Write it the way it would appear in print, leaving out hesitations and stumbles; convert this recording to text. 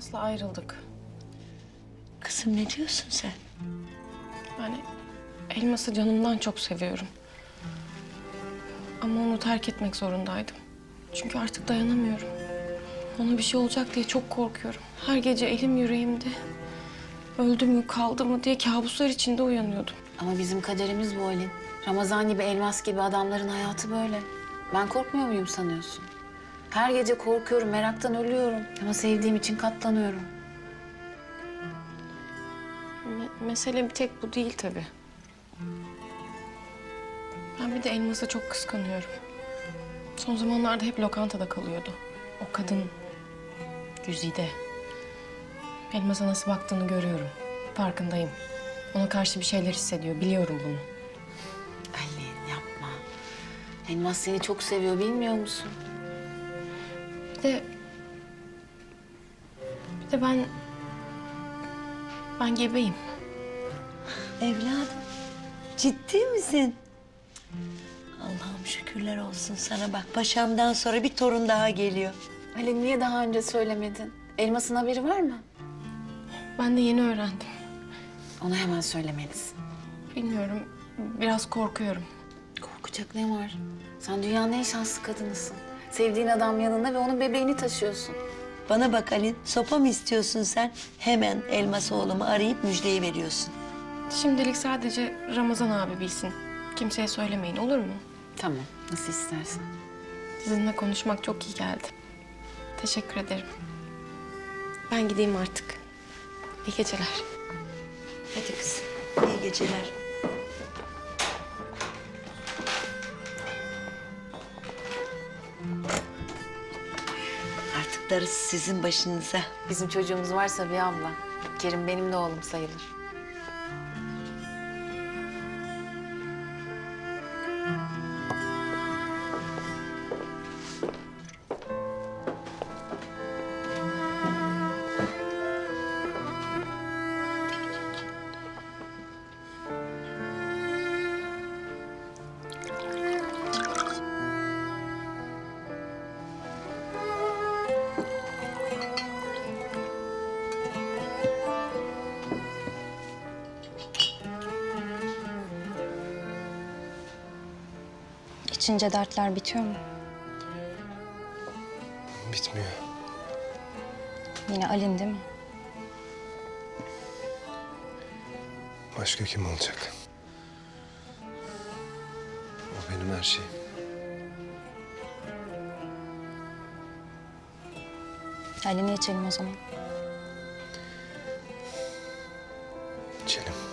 Elmas'la ayrıldık. Kızım ne diyorsun sen? Yani Elmas'ı canımdan çok seviyorum. Ama onu terk etmek zorundaydım. Çünkü artık dayanamıyorum. Ona bir şey olacak diye çok korkuyorum. Her gece elim yüreğimde. Öldü mü kaldı mı diye kabuslar içinde uyanıyordum. Ama bizim kaderimiz bu Alin. Ramazan gibi, Elmas gibi adamların hayatı böyle. Ben korkmuyor muyum sanıyorsun? Her gece korkuyorum, meraktan ölüyorum. Ama sevdiğim için katlanıyorum. Mesele bir tek bu değil tabii. Ben bir de Elmas'ı çok kıskanıyorum. Son zamanlarda hep lokantada kalıyordu. O kadın Güzide. Elmas'a nasıl baktığını görüyorum. Farkındayım. Ona karşı bir şeyler hissediyor. Biliyorum bunu. Alin yapma. Elmas seni çok seviyor, bilmiyor musun? Bir de ben gebeyim. Evladım, ciddi misin? Allah'ım şükürler olsun sana bak. Paşamdan sonra bir torun daha geliyor. Alin niye daha önce söylemedin? Elmas'ın haberi var mı? Ben de yeni öğrendim. Ona hemen söylemelisin. Bilmiyorum. Biraz korkuyorum. Korkacak ne var? Sen dünyanın en şanslı kadınısın. Sevdiğin adam yanında ve onun bebeğini taşıyorsun. Bana bak Alin, sopa mı istiyorsun sen? Hemen Elmas oğlumu arayıp müjdeyi veriyorsun. Şimdilik sadece Ramazan abi bilsin. Kimseye söylemeyin, olur mu? Tamam, nasıl istersen. Sizinle konuşmak çok iyi geldi. Teşekkür ederim. Ben gideyim artık. İyi geceler. Hadi kızım, iyi geceler. Artık darısı sizin başınıza. Bizim çocuğumuz varsa bir abla. Kerim benim de oğlum sayılır. İçince dertler bitiyor mu? Bitmiyor. Yine Alin değil mi? Başka kim olacak? O benim her şeyim. Alin'i içelim o zaman. İçelim.